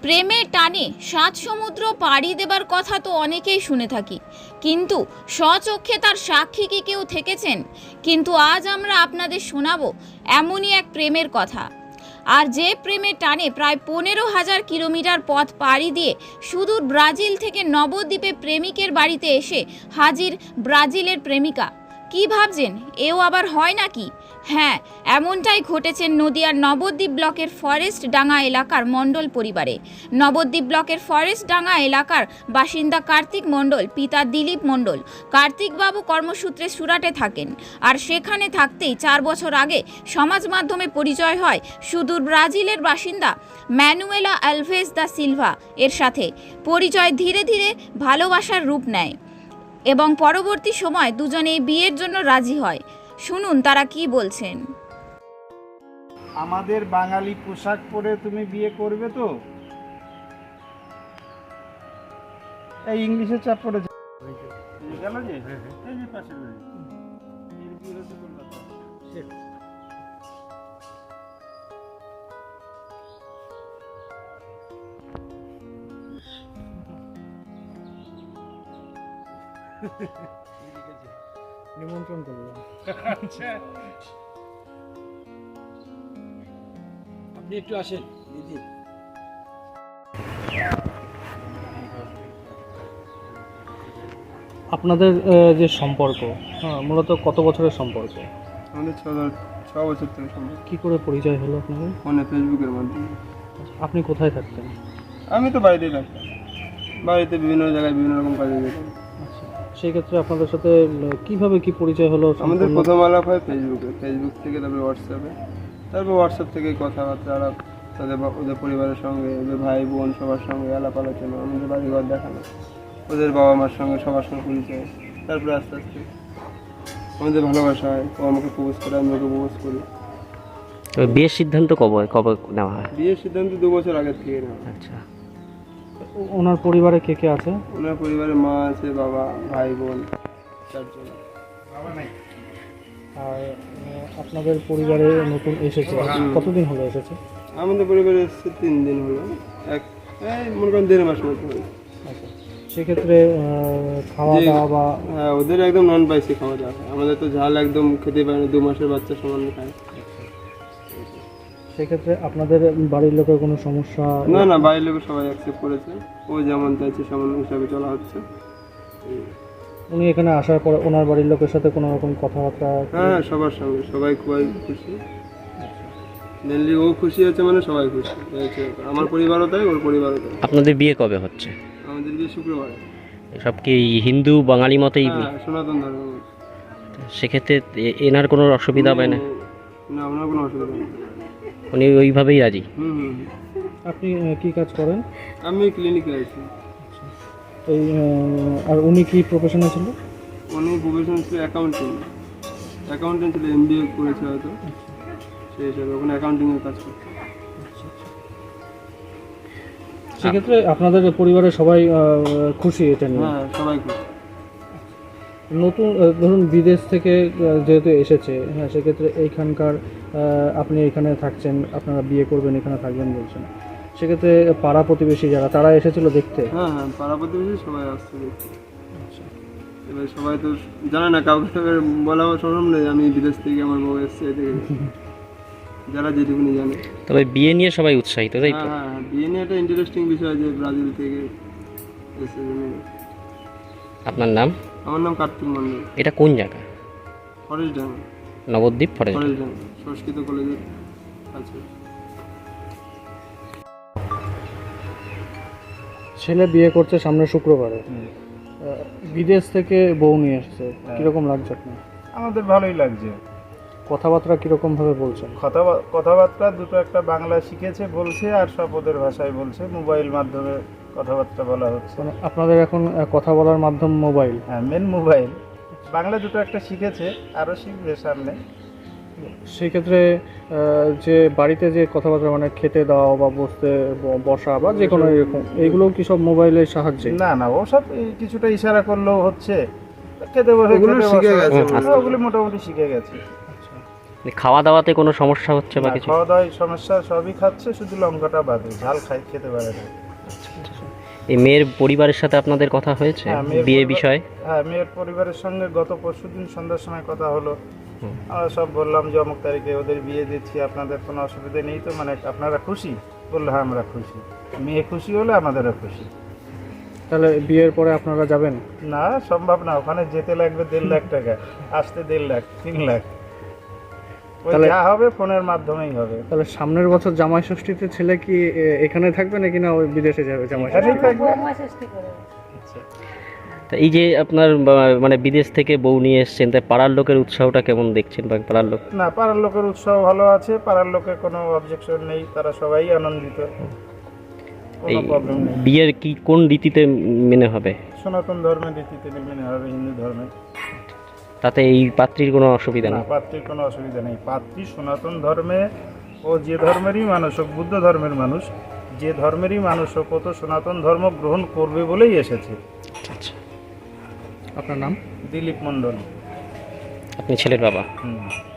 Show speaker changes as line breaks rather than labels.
প্রেমের টানে ৭ সমুদ্র পাড়ি দেবার কথা তো অনেকেই শুনে থাকি, কিন্তু স্বচক্ষে তার সাক্ষী কি কেউ থেকেছেন? কিন্তু আজ আমরা আপনাদের শোনাবো এমনই এক প্রেমের কথা। আর যে প্রেমের টানে প্রায় ১৫,০০০ কিলোমিটার পথ পাড়ি দিয়ে সুদূর ব্রাজিল থেকে নবদ্বীপে প্রেমিকের বাড়িতে এসে হাজির ব্রাজিলের প্রেমিকা। কি ভাবছেন, এও আবার হয় নাকি? হ্যাঁ, এমনটাই ঘটেছে নদিয়ার নবদ্বীপ ব্লকের ফরেস্ট ডাঙ্গা এলাকার মণ্ডল পরিবারে। নবদ্বীপ ব্লকের ফরেস্ট ডাঙ্গা এলাকার বাসিন্দা কার্তিক মণ্ডল, পিতা দিলীপ মণ্ডল। কার্তিকবাবু কর্মসূত্রে সুরাটে থাকেন, আর সেখানে থাকতেই ৪ বছর আগে সমাজ মাধ্যমে পরিচয় হয় সুদূর ব্রাজিলের বাসিন্দা ম্যানুয়েলা আলভেজ দা সিলভা এর সাথে। পরিচয় ধীরে ধীরে ভালোবাসার রূপ নেয় এবং পরবর্তী সময় দুজনেই বিয়ের জন্য রাজি হয়। শুনুন তারা কি বলছেন।
আমাদের বাঙালি পোশাক পরে তুমি বিয়ে করবে তো? এই ইংলিশের চাপ পড়েছে গেল যে এই যে পাশের বাড়ি এর বিয়ে হচ্ছে কলকাতা।
নিমন্ত্রণ করলাম।
আচ্ছা,
আপনি একটু আসেন দিদি। আপনাদের যে সম্পর্ক, মূলত কত বছরের সম্পর্ক?
আমাদের 6 বছর থেকে সম্ভব।
কি করে পরিচয় হলো আপনাদের?
ফোনে ফেসবুকের মাধ্যমে।
আপনি কোথায় থাকতেন?
আমি তো বাড়িতেই থাকতাম, বাড়িতে বিভিন্ন জায়গায় বিভিন্ন রকম কাজে যেতাম।
আচ্ছা, সেই ক্ষেত্রে আপনাদের সাথে কিভাবে কি পরিচয় হলো?
আমাদের প্রথম আলাপ হয় ফেসবুকে, ফেসবুক থেকে তারপরে হোয়াটসঅ্যাপে, তারপর হোয়াটসঅ্যাপ থেকে কথাবার্তা আলাপ, ওদের পরিবারের সঙ্গে, ওদের ভাই বোন সবার সঙ্গে আলাপ আলোচনা, আমাদের বাড়িঘর দেখানো, ওদের বাবা মার সঙ্গে সবার সঙ্গে পরিচয়। তারপরে আস্তে আস্তে আমাদের ভালোবাসা হয়, ও আমাকে প্রপোজ করে, আমি ওকে প্রপোজ করি।
তবে বিয়ের সিদ্ধান্ত কবে নেওয়া হয়?
বিয়ের সিদ্ধান্ত 2 বছর আগে থেকে নেওয়া।
আচ্ছা,
ওনার পরিবারে কে কে আছে?
ওনার পরিবারে মা আছে, বাবা, ভাই বোন 4 জন।
আর আপনাদের পরিবারে নতুন এসেছে, কতদিন হলো এসেছে?
আমাদের পরিবারে এসেছে 3 দিন হলো, মনে করেন 1.5 মাস মতো হলো।
আচ্ছা, সেক্ষেত্রে খাওয়া দাওয়া বা
হ্যাঁ, ওদের একদম নন স্পাইসি খাওয়া দাওয়া হয়, আমাদের তো ঝাল একদম খেতে পারে না, 2 মাসের বাচ্চা সমান খায়।
সেক্ষেত্রে আপনাদের বাড়ির লোকের কোনো সমস্যা?
না না, বাড়ির লোক সবাই অ্যাকসেপ্ট করেছে, ও যেমন চাইছে সেমন হিসাবে চলা হচ্ছে।
উনি এখানে আসার পর ওনার বাড়ির লোকের সাথে কোনো রকম কথাবার্তা?
হ্যাঁ, সবার সঙ্গে সবাই খুবই খুশি। মেনলি ও খুশি হচ্ছে মানে সবাই খুশি হয়েছে, আমার পরিবারও তাই, ওর পরিবারও তাই।
আপনাদের বিয়ে কবে হচ্ছে?
আমাদের বিয়ে শুক্রবারে।
সব কি হিন্দু বাঙালি মতেই?
হ্যাঁ, সনাতন ধর্ম।
সেক্ষেত্রে এনার কোনো অসুবিধা হবে না?
না, ওনার কোনো অসুবিধা নেই।
উনি ওইভাবেই রাজি?
হুম।
আপনি কি কাজ করেন?
আমি ক্লিনিকে আছি।
এই আর উনি কি প্রফেশনে ছিল?
উনি প্রফেশন ছিল অ্যাকাউন্টেন্ট ছিল, MBA করেছে হয়তো, সেই হিসাবে ওখানে অ্যাকাউন্টিংয়ের কাজ করছে।
সেক্ষেত্রে আপনাদের পরিবারের সবাই খুশি এটা নিয়ে?
হ্যাঁ, সবাই খুশি।
নতুন ধরুন বিদেশ থেকে যেহেতু এসেছে, হ্যাঁ, সেক্ষেত্রে এইখানকার আপনি এখানে থাকছেন, আপনারা বিয়ে করবেন, এখানে থাকবেন বলছেন, সেক্ষেত্রে পাড়া প্রতিবেশী যারা, তারা এসেছিল দেখতে?
হ্যাঁ, পাড়া প্রতিবেশী সবাই আসছে দেখতে। এবার সবাই তো জানে না, কাউকে বলা সম্ভব নেই আমি বিদেশ থেকে আমার বউ এসছে, যারা যেটুকুনি জানে।
তবে বিয়ে নিয়ে সবাই উৎসাহিত, তাই তো?
হ্যাঁ, বিয়ে নিয়ে একটা ইন্টারেস্টিং বিষয় যে ব্রাজিল থেকে এসে।
আপনার নাম?
আমার নাম কার্তিক মণ্ডল।
এটা কোন জায়গা?
Forest Danga.
Nabadwip forest?
Forest Danga Sanskrit কলেজের আছে।
ছেলে বিয়ে করছে সামনে শুক্রবারে, বিদেশ থেকে বউ নিয়ে এসছে, কিরকম লাগছে আপনার?
আমাদের ভালোই লাগছে।
কথাবার্তা কিরকম ভাবে বলছেন?
কথাবার্তা দুটো একটা বাংলা শিখেছে বলছে, আর সব ওদের ভাষায় বলছে, মোবাইল মাধ্যমে কথাবার্তা বলা হচ্ছে।
মানে আপনাদের এখন কথা বলার মাধ্যম মোবাইল?
হ্যাঁ, মেন মোবাইল। বাংলা দুটো একটা শিখেছে, আরও শিখবে সামনে।
সেই ক্ষেত্রে যে বাড়িতে যে কথাবার্তা, মানে খেতে দাও বা বসা বা যে কোনো এরকম, এইগুলো কি সব মোবাইলের সাহায্যে?
না না, ওসব কিছুটা ইশারা করলেও হচ্ছে, খেতে বসে ওগুলো শিখে গেছে, ওগুলো মোটামুটি শিখে গেছে।
খাওয়া দাওয়াতে কোনো সমস্যা হচ্ছে বা
না,
কিছু?
খাওয়া দাওয়ায় সমস্যা, সবই খাচ্ছে, শুধু লঙ্কাটা বাদে, ঝাল খেতে পারে না।
এই মেয়ের পরিবারের সাথে আপনাদের কথা হয়েছে
হ্যাঁ, মেয়ের
বিয়ে
পরিবার-
বিষয়ে?
হ্যাঁ, মেয়ের পরিবারের সঙ্গে গত পরশুদিন সন্ধ্যার সময় কথা হলো। আমরা সব বললাম যে অমুক তারিখে ওদের বিয়ে দিচ্ছি, আপনাদের কোনো অসুবিধা নেই তো, মানে আপনারা খুশি? বললো হ্যাঁ আমরা খুশি, মেয়ে খুশি হলে আমাদেরও খুশি।
তাহলে বিয়ের পরে আপনারা যাবেন?
না, সম্ভব না, ওখানে যেতে লাগবে 1.5 লাখ টাকা, আসতে 1.5 লাখ, 3 লাখ। ওই
তাহলে-
যা হবে ফোনের মাধ্যমেই হবে।
তাহলে সামনের বছর জামাই ষষ্ঠীতে ছেলে কি এখানে থাকবে নাকি না ওই বিদেশে যাবে জামাই ষষ্ঠী?
এখানেই থাকবে।
তা এই যে আপনার মানে বিদেশ থেকে বউ নিয়ে এসছেন, তাই পাড়ার লোকের উৎসাহটা কেমন দেখছেন বা পাড়ার লোক?
না, পাড়ার লোকের উৎসাহ ভালো আছে, পাড়ার লোকের কোনো অবজেকশন নেই, তারা সবাই আনন্দিত,
এই
কোনো প্রবলেম নেই।
বিয়ের কি কোন রীতিতে মেনে হবে?
সনাতন ধর্মের রীতিতে মেনে হবে, হিন্দু ধর্মে।
তাতে এই পাত্রীর কোনো অসুবিধা
না,
নেই?
পাত্রীর কোনো অসুবিধা নেই। পাত্রী সনাতন ধর্মে, ও যে ধর্মেরই মানুষ হোক, বুদ্ধ ধর্মের মানুষ, যে ধর্মেরই মানুষ হোক, ও তো সনাতন ধর্ম গ্রহণ করবে বলেই এসেছে।
আচ্ছা,
আপনার নাম?
দিলীপ মণ্ডল।
আপনি ছেলের বাবা?
হুম।